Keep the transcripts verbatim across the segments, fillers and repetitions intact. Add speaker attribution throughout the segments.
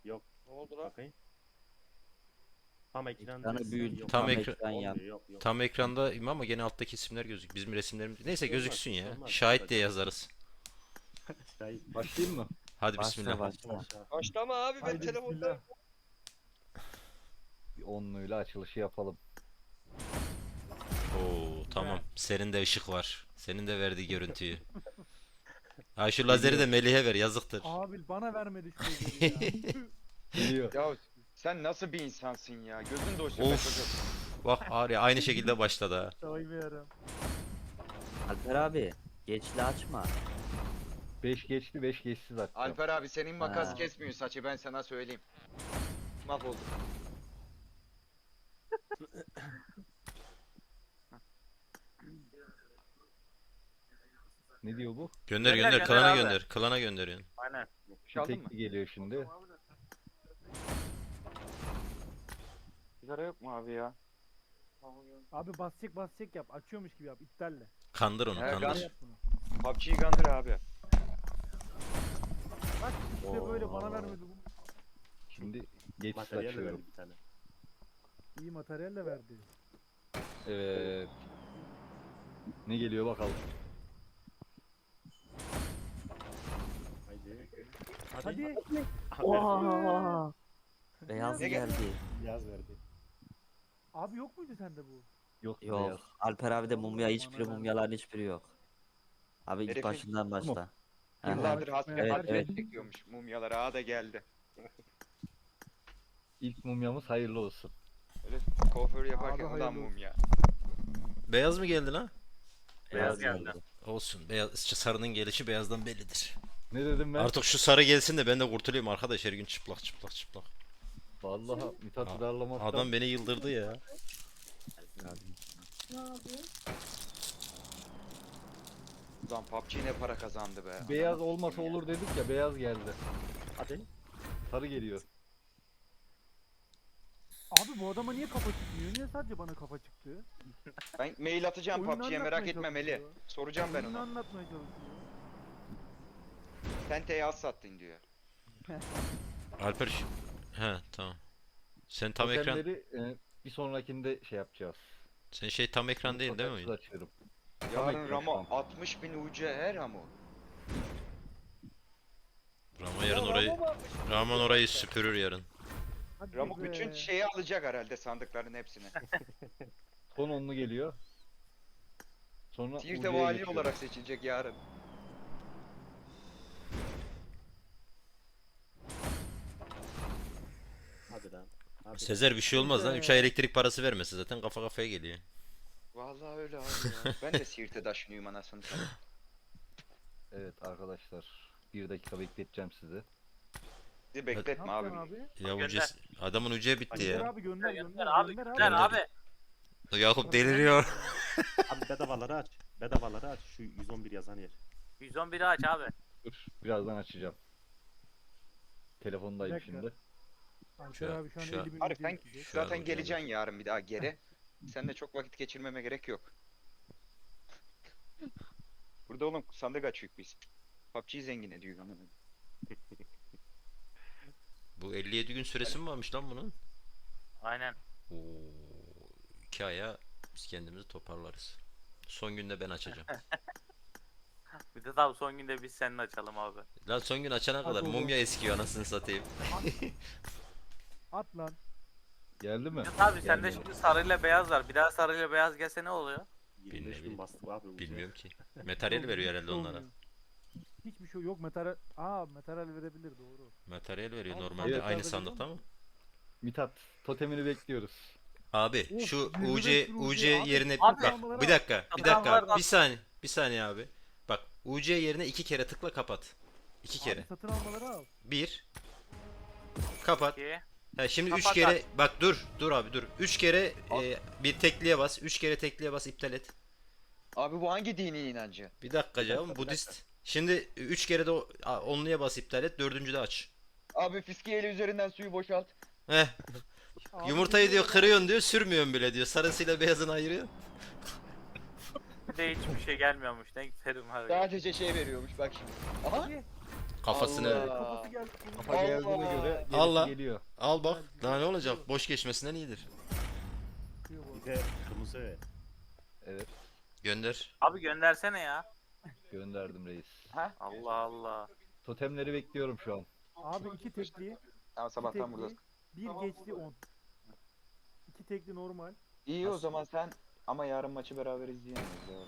Speaker 1: Yok.
Speaker 2: Ne oldu lan?
Speaker 1: Bakayım. Tam ekran.
Speaker 3: Ekranı büyüt,
Speaker 1: Yok.
Speaker 3: tam
Speaker 4: Tam
Speaker 3: ekran,
Speaker 4: ekran
Speaker 3: yap.
Speaker 1: Olmuyor, yok, yok.
Speaker 4: Tam ekrandayım ama gene alttaki isimler gözük. Bizim resimlerimiz. Neyse
Speaker 1: Olmaz,
Speaker 4: gözüksün ya.
Speaker 1: olmaz.
Speaker 4: Şahit diye yazarız.
Speaker 1: Şahit.
Speaker 5: Başlayayım mı?
Speaker 4: Hadi
Speaker 3: Başla
Speaker 4: bismillah.
Speaker 3: başla.
Speaker 1: Aşağı.
Speaker 2: Başlama abi ben
Speaker 5: Haydi
Speaker 2: telefonda.
Speaker 5: bismillah. Bir onluyla açılışı yapalım.
Speaker 4: Oo tamam. Senin de ışık var. Senin de verdiği görüntüyü. Ha şu lazeri de Melih'e ver yazıktır.
Speaker 6: Abi bana vermedi şu gözleri ya.
Speaker 5: Geliyor.
Speaker 2: Ya sen nasıl bir insansın ya? Gözün doysun be
Speaker 4: Of.
Speaker 2: çocuk.
Speaker 4: Bak Arya aynı şekilde başladı ha.
Speaker 6: Saymıyorum.
Speaker 3: Alper abi geçli açma.
Speaker 5: beş geçti beş geçsiz açacağım.
Speaker 2: Alper abi senin makas
Speaker 3: Ha.
Speaker 2: kesmiyor saçı ben sana söyleyeyim. Mahvolduk.
Speaker 5: Ne diyor bu?
Speaker 4: Gönder
Speaker 7: Gönder,
Speaker 4: gönder
Speaker 7: gönder
Speaker 4: klana
Speaker 7: abi.
Speaker 4: gönder. Klana gönderiyorsun.
Speaker 7: Aynen.
Speaker 2: Bir şey aldın mı?
Speaker 5: Tekli geliyor şimdi.
Speaker 2: Sigara yok mu abi ya?
Speaker 6: Abi basacak basacak yap. Açıyormuş gibi yap. İptalle.
Speaker 4: Kandır onu
Speaker 2: He,
Speaker 4: kandır.
Speaker 2: kan-
Speaker 6: Yap bunu.
Speaker 2: P U B G'yi kandır abi.
Speaker 6: Bak işte böyle bana
Speaker 1: Oo.
Speaker 6: vermedi bu.
Speaker 5: Şimdi geçsiz
Speaker 1: Materyal
Speaker 5: açıyorum.
Speaker 1: verdi bir tane.
Speaker 6: İyi materyal de verdi.
Speaker 5: Evet. Ne geliyor bakalım.
Speaker 1: Haydi.
Speaker 6: Hadi.
Speaker 3: Oha. Beyaz
Speaker 2: Ne gel-
Speaker 3: geldi.
Speaker 1: Yaz verdi.
Speaker 6: Abi yok muydu sende bu?
Speaker 5: Yok.
Speaker 3: Yok.
Speaker 5: beyaz.
Speaker 3: Alper abi de mumya hiçbiri
Speaker 6: Bana vermedi.
Speaker 3: mumyaların hiçbiri yok. Abi ilk
Speaker 2: Herifin-
Speaker 3: başından başla. Aha.
Speaker 2: Yıllardır hasret
Speaker 3: Evet,
Speaker 2: hasret
Speaker 3: evet.
Speaker 2: çekiyormuş mumyalar. Ağa da geldi.
Speaker 5: İlk mumyamız hayırlı olsun.
Speaker 2: Öyle kuaför yaparken
Speaker 6: Abi
Speaker 2: ulan
Speaker 6: hayırlı olsun.
Speaker 2: mumya.
Speaker 4: Beyaz mı geldi lan?
Speaker 7: Beyaz geldi.
Speaker 4: Olsun. Beyaz, sarının gelişi beyazdan bellidir.
Speaker 5: Ne dedim ben?
Speaker 4: Artık şu sarı gelsin de ben de kurtulayım arkadaş her gün çıplak çıplak çıplak.
Speaker 5: Vallahi Mithat
Speaker 4: A-
Speaker 5: darlamaktan.
Speaker 4: Adam beni yıldırdı ya.
Speaker 2: Ulan P U B G ne para kazandı be.
Speaker 5: Beyaz
Speaker 2: Ananı
Speaker 5: olmasa
Speaker 2: sikeyim ya.
Speaker 5: olur dedik ya, beyaz geldi.
Speaker 1: Hadi.
Speaker 5: Sarı geliyor.
Speaker 6: Abi bu adama niye kafa çıkmıyor? Niye sadece bana kafa çıktı?
Speaker 2: Ben mail atacağım P U
Speaker 6: Oyunu
Speaker 2: B G'ye merak
Speaker 6: anlatmaya
Speaker 2: etme Meli.
Speaker 6: çalışıyor.
Speaker 2: Soracağım ben
Speaker 6: Oyunu
Speaker 2: ona.
Speaker 6: anlatmaya çalışıyor.
Speaker 2: Sen teyaz sattın diyor.
Speaker 4: Alper şu- He tamam. Sen tam ekran
Speaker 5: Totemleri, e, bir sonrakinde şey yapacağız.
Speaker 4: sen şey tam ekran değil değil mi?
Speaker 5: Totemsiz açıyorum.
Speaker 2: Yarın
Speaker 5: ekran
Speaker 2: Ramo
Speaker 5: şu an.
Speaker 2: altmış bin U C her Ramo.
Speaker 4: Ramo yarın orayı Rahman orayı süpürür yarın.
Speaker 6: Hadi
Speaker 2: Ramo
Speaker 6: be.
Speaker 2: bütün şeyi alacak herhalde sandıkların hepsini.
Speaker 5: Son onlu geliyor. Sonra
Speaker 2: Siirt'e
Speaker 5: Uğur'ya
Speaker 2: vali
Speaker 5: geçiyorum.
Speaker 2: olarak seçilecek yarın.
Speaker 1: Hadi lan. Hadi.
Speaker 4: Sezer bir şey olmaz lan. üç ay elektrik parası vermesi zaten kafa kafaya geliyor.
Speaker 2: Vallahi öyle abi ya. Ben de Siirt'e taşınıyorum anasını satayım.
Speaker 5: Evet arkadaşlar. Bir dakika bekleteceğim sizi.
Speaker 2: Bizi
Speaker 6: Ne
Speaker 2: bekletme abi.
Speaker 6: yapacaksın abi?
Speaker 4: Ya bu
Speaker 7: Gönder.
Speaker 4: ces- adamın ucu bitti
Speaker 6: Gönder
Speaker 4: ya.
Speaker 6: abi gönder gönder.
Speaker 7: Gönder abi.
Speaker 6: gönder
Speaker 7: Gönder abi.
Speaker 4: Yakup deliriyor.
Speaker 1: Abi bedavaları aç. Bedavaları aç. Şu yüz on bir yazan yer.
Speaker 7: yüz on biri aç abi.
Speaker 5: Dur. Birazdan açacağım. Telefondayım
Speaker 6: Bir dakika.
Speaker 5: şimdi.
Speaker 6: Alper
Speaker 4: Şu-
Speaker 6: abi şu an
Speaker 4: şu-
Speaker 6: elli bin
Speaker 2: Arif
Speaker 6: ücret
Speaker 2: sen
Speaker 6: yiyecek.
Speaker 4: Şu an
Speaker 2: zaten
Speaker 4: hocam.
Speaker 2: geleceksin yarın bir daha geri. Seninle çok vakit geçirmeme gerek yok. Burada oğlum sandık açıyoruz biz. P U B G'yi zengin ediyor anladın mı?
Speaker 4: Bu elli yedi gün süresi mi varmış lan bunun?
Speaker 7: Aynen.
Speaker 4: Oo, iki aya biz kendimizi toparlarız. Son günde ben açacağım.
Speaker 7: Bir de tabi son günde biz seninle açalım abi.
Speaker 4: Lan son gün açana kadar
Speaker 6: oğlum.
Speaker 4: mumya eskiyor anasını satayım.
Speaker 6: At lan.
Speaker 5: Geldi mi?
Speaker 7: Bir de tabi sende
Speaker 5: Gelmedi.
Speaker 7: şimdi sarıyla beyaz var. Bir daha sarıyla beyaz gelse ne oluyor?
Speaker 1: yirmi beş
Speaker 4: Bilmiyorum.
Speaker 1: bin bastık abi. bu
Speaker 4: Bilmiyorum ki. Materyal veriyor herhalde onlara.
Speaker 6: Hiçbir şey yok. Materyal. Aa materyal verebilir doğru.
Speaker 4: Materyal veriyor
Speaker 6: Abi,
Speaker 4: normalde
Speaker 5: evet,
Speaker 4: aynı
Speaker 6: abi,
Speaker 4: sandıkta mı?
Speaker 5: Mithat totemini bekliyoruz.
Speaker 4: Abi
Speaker 6: Of,
Speaker 4: şu
Speaker 6: yirmi
Speaker 4: U C
Speaker 6: beş bin
Speaker 4: U
Speaker 6: U C
Speaker 4: C
Speaker 6: abi.
Speaker 4: yerine
Speaker 7: Abi,
Speaker 4: bak bir dakika bir dakika
Speaker 7: adamlar-
Speaker 4: bir saniye bir saniye abi. Bak U C yerine iki kere tıkla kapat. İki kere.
Speaker 6: Abi satın almaları al.
Speaker 4: Bir. Kapat.
Speaker 7: Ki.
Speaker 4: Ha şimdi üç
Speaker 7: Kapat
Speaker 4: kere
Speaker 7: abi.
Speaker 4: bak dur dur abi dur. Üç kere e, bir tekliye bas. Üç kere tekliye bas iptal et.
Speaker 2: Abi bu hangi dini inancı?
Speaker 4: Bir dakika canım Budist. Şimdi üç kere de o- a, onluya bas iptal et. Dördüncü de aç.
Speaker 2: Abi fiskiyeli üzerinden suyu boşalt.
Speaker 4: Heh.
Speaker 6: Abi
Speaker 4: Yumurtayı diyor
Speaker 6: bilmiyorum.
Speaker 4: kırıyorsun diyor sürmüyorsun bile diyor. Sarısıyla beyazını ayırıyor.
Speaker 7: Bir de hiçbir şey gelmiyormuş. Ne giderim abi.
Speaker 2: Sadece şey veriyormuş bak şimdi. Aha.
Speaker 4: Kafasını
Speaker 2: Allah.
Speaker 6: Kafası geldi.
Speaker 5: Kafa
Speaker 2: Allah.
Speaker 5: geldiğine göre gerisi
Speaker 4: Allah.
Speaker 5: geliyor.
Speaker 4: al bak. Daha ne olacak? Boş geçmesinden iyidir.
Speaker 6: Çıkıyor bu.
Speaker 1: Bir de kırmızı.
Speaker 5: Evet,
Speaker 4: Gönder.
Speaker 7: Abi göndersene ya.
Speaker 5: gönderdim reis.
Speaker 2: Ha?
Speaker 7: Allah Allah.
Speaker 5: Totemleri bekliyorum şu an.
Speaker 6: Abi iki tekli,
Speaker 2: Tamam
Speaker 6: iki
Speaker 2: sabahtan burada.
Speaker 6: tekli, bir geçli on. İki tekli normal.
Speaker 2: İyi o zaman sen ama yarın maçı beraber izleyemeyiz ya.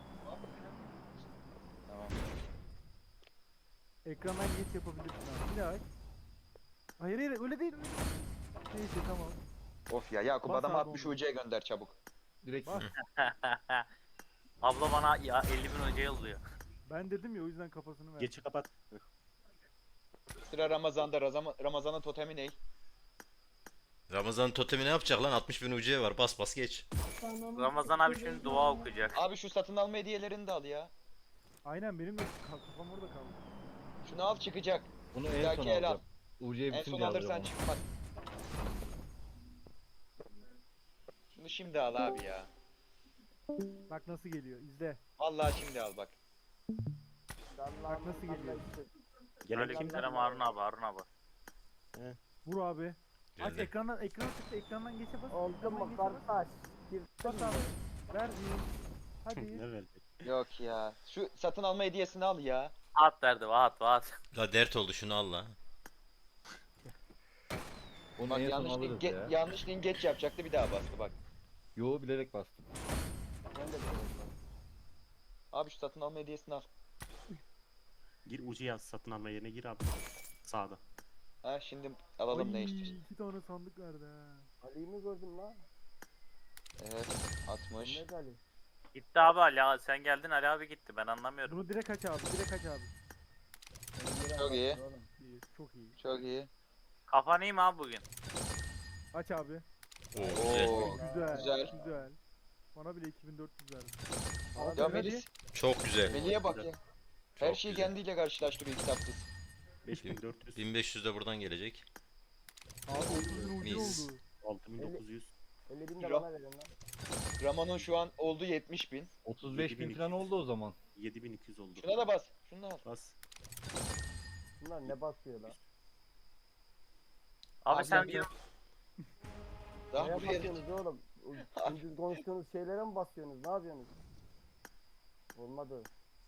Speaker 2: Tamam.
Speaker 6: Ekrandan geç yapabilirsin abi. Bir daha aç. Hayır hayır öyle değil. Öyle değil. Neyse tamam.
Speaker 2: Of ya Yakup
Speaker 6: Bas
Speaker 2: adam
Speaker 6: abi
Speaker 2: altmış
Speaker 6: onu.
Speaker 2: U C'ye gönder çabuk.
Speaker 5: Direkt
Speaker 6: Bak.
Speaker 7: Abla bana ya elli bin hoca yolluyor.
Speaker 6: Ben dedim ya o yüzden kafasını ver.
Speaker 1: Geçi kapat.
Speaker 2: Sıra Ramazan'da. Razama- Ramazan'ın totemi ne?
Speaker 4: Ramazan totemi ne yapacak lan? altmış bin U C var. Bas bas geç.
Speaker 7: Ramazan abi şimdi dua okuyacak.
Speaker 2: Abi şu satın alma hediyelerini de al ya.
Speaker 6: Aynen benim de ka- kafam orada kaldı.
Speaker 2: Şunu al çıkacak.
Speaker 5: bunu en
Speaker 2: Belki
Speaker 5: son
Speaker 2: el al.
Speaker 5: alacağım. U C'yi
Speaker 2: En son
Speaker 5: bitince
Speaker 2: alırsan
Speaker 5: alacağım onu.
Speaker 2: çıkmaz. Şunu şimdi al abi ya.
Speaker 6: Bak nasıl geliyor izle.
Speaker 2: Vallahi şimdi al bak.
Speaker 6: Bak nasıl geliyor.
Speaker 1: Gelen kim?
Speaker 7: Aleykümselam Harun abi Harun abi.
Speaker 6: Vur abi. Aç
Speaker 4: Geldi.
Speaker 6: ekrandan ekrana tıkla ekrandan geçe bas.
Speaker 8: Oldu
Speaker 6: ekrandan
Speaker 8: mu
Speaker 6: geçe bas.
Speaker 8: kardeş?
Speaker 6: Bas abi. Ver bir. Hadi.
Speaker 1: Ne verdi?
Speaker 2: Yok ya. Şu satın alma hediyesini al ya.
Speaker 7: Vaat verdi vaat vaat.
Speaker 4: La dert oldu şunu al la.
Speaker 5: Onu
Speaker 2: Bak
Speaker 5: en son
Speaker 2: yanlış
Speaker 5: alırız
Speaker 2: link,
Speaker 5: ya.
Speaker 2: ge- yanlış link geç yapacaktı bir daha bastı bak.
Speaker 5: Yo, bilerek bastım.
Speaker 8: Ben de biliyorum.
Speaker 2: Abi şu satın alma hediyesini al.
Speaker 1: Gir ucu yaz satın alma yerine gir abi. Sağda.
Speaker 2: Ha şimdi alalım ne
Speaker 6: Ay,
Speaker 2: istiyorsun.
Speaker 6: iki tane sandık verdi ha.
Speaker 8: Ali'yi mi gördün lan?
Speaker 2: Evet altmış.
Speaker 8: Ne Ali?
Speaker 7: Gitti abi Ali sen geldin Ali abi gitti ben anlamıyorum.
Speaker 6: Bunu direkt aç abi. Direkt aç abi.
Speaker 8: Ben yere
Speaker 2: Çok iyi.
Speaker 8: anlattım oğlum.
Speaker 6: İyi, çok iyi.
Speaker 2: Çok iyi.
Speaker 7: Kafan iyi mi abi bugün?
Speaker 6: Aç abi.
Speaker 4: Oo, güzel.
Speaker 2: Oo.
Speaker 6: Güzel.
Speaker 2: Güzel.
Speaker 6: Güzel. Bana bile iki bin dört yüz verdi.
Speaker 2: Ya
Speaker 6: Abi,
Speaker 2: Melis,
Speaker 4: Çok güzel.
Speaker 2: Melih'e bak ya. Her
Speaker 4: Çok
Speaker 2: şeyi
Speaker 4: güzel.
Speaker 2: kendiyle karşılaştırıyor kitapsız.
Speaker 1: beş bin dört yüz.
Speaker 4: bin beş yüz de buradan gelecek.
Speaker 6: Abi otuz bin ucu
Speaker 4: Mis.
Speaker 6: oldu.
Speaker 1: altı bin dokuz yüz.
Speaker 8: elli bin de
Speaker 2: Ra-
Speaker 8: bana verin lan.
Speaker 2: Ramon'un şu an oldu yetmiş bin.
Speaker 5: otuz beş
Speaker 1: yedi
Speaker 5: bin
Speaker 1: bin
Speaker 5: falan
Speaker 1: iki yüz.
Speaker 5: oldu o zaman.
Speaker 1: yedi bin iki yüz oldu.
Speaker 2: Şuna da bas. Şunu da al.
Speaker 1: Bas.
Speaker 8: Bunlar ne basıyor lan?
Speaker 7: Abi
Speaker 2: Abi
Speaker 7: sen
Speaker 2: ben-
Speaker 7: bir
Speaker 2: Daha
Speaker 8: Neye
Speaker 2: buraya
Speaker 8: basıyorsunuz oğlum? Ucuz konuştuğunuz şeylere mi basıyorsunuz? Ne yapıyorsunuz? Olmadı.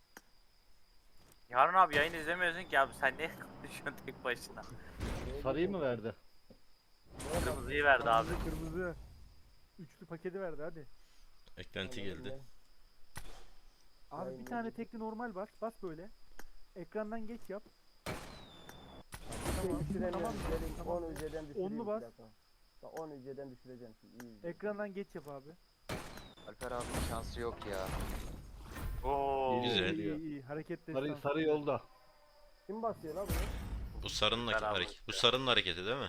Speaker 7: Harun abi yayın izlemiyorsun ki abi sen ne konuşuyorsun tek başına?
Speaker 8: Neye
Speaker 5: Sarıyı mı
Speaker 8: basıyorsunuz?
Speaker 5: verdi?
Speaker 8: Neye basıyorsunuz?
Speaker 7: Kırmızıyı verdi abi.
Speaker 6: Kırmızı kırmızı. Üçlü paketi verdi hadi.
Speaker 4: Eklenti
Speaker 8: Anladım
Speaker 4: geldi.
Speaker 8: ben.
Speaker 6: Abi bir
Speaker 8: Aynen.
Speaker 6: tane tekli normal bas. Bas böyle. Ekrandan geç yap.
Speaker 8: Şey
Speaker 6: Tamam,
Speaker 8: düşüremiyorum.
Speaker 6: tamam,
Speaker 8: Gelin
Speaker 6: tamam.
Speaker 8: on ücreden düşüreyim.
Speaker 6: Onlu
Speaker 8: bir
Speaker 6: bas.
Speaker 8: dakika. Bak on ücreden düşüreceğim şimdi. İyi. izle.
Speaker 6: Ekrandan geç yap abi.
Speaker 2: Alper abinin şansı yok ya.
Speaker 7: Oo.
Speaker 4: Güzel.
Speaker 6: İyi iyi iyi. Hareket
Speaker 5: Sarı,
Speaker 6: destansı.
Speaker 5: sarı yolda.
Speaker 8: Kim basıyor lan bunu?
Speaker 4: Bu sarının
Speaker 7: Beraber
Speaker 4: hareket. Bu sarının hareketi değil mi?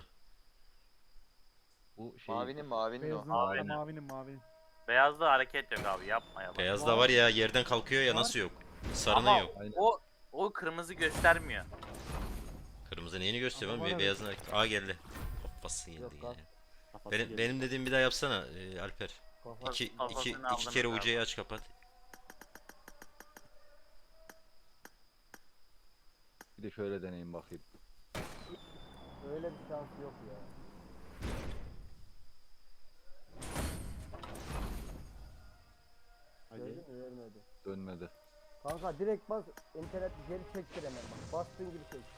Speaker 5: Bu şey.
Speaker 2: Mavinin mavinin o.
Speaker 6: Beyazın,
Speaker 7: Mavinin.
Speaker 6: mavinin mavinin.
Speaker 7: Beyazda hareket yok abi yapma ya.
Speaker 4: Beyaz da var ya yerden kalkıyor ya
Speaker 6: Var.
Speaker 4: nasıl yok? Sarının
Speaker 7: Ama
Speaker 4: yok.
Speaker 5: Aynen.
Speaker 7: o o kırmızı göstermiyor.
Speaker 4: Kırmızı neyini gösteriyor
Speaker 6: Ama
Speaker 4: oğlum?
Speaker 6: var
Speaker 4: Be- Beyazın hareket. Aa geldi. Kafası
Speaker 8: Yok
Speaker 4: geldi
Speaker 8: lan.
Speaker 4: yine.
Speaker 1: Kafası
Speaker 4: Benim,
Speaker 1: geldi.
Speaker 4: benim dediğim bir daha yapsana e, Alper.
Speaker 8: Kafa.
Speaker 4: İki, iki,
Speaker 7: Kafasını
Speaker 4: iki
Speaker 7: aldım
Speaker 4: kere
Speaker 7: ben
Speaker 4: ucuyu aç kapat.
Speaker 5: Bir de şöyle deneyim bakayım.
Speaker 8: Öyle bir şans yok ya.
Speaker 1: Hadi.
Speaker 8: Gördün mü? Vermedi.
Speaker 5: Dönmedi.
Speaker 8: Kanka direkt bas. İnternet geri çektir hemen bak. Bastığın gibi çek.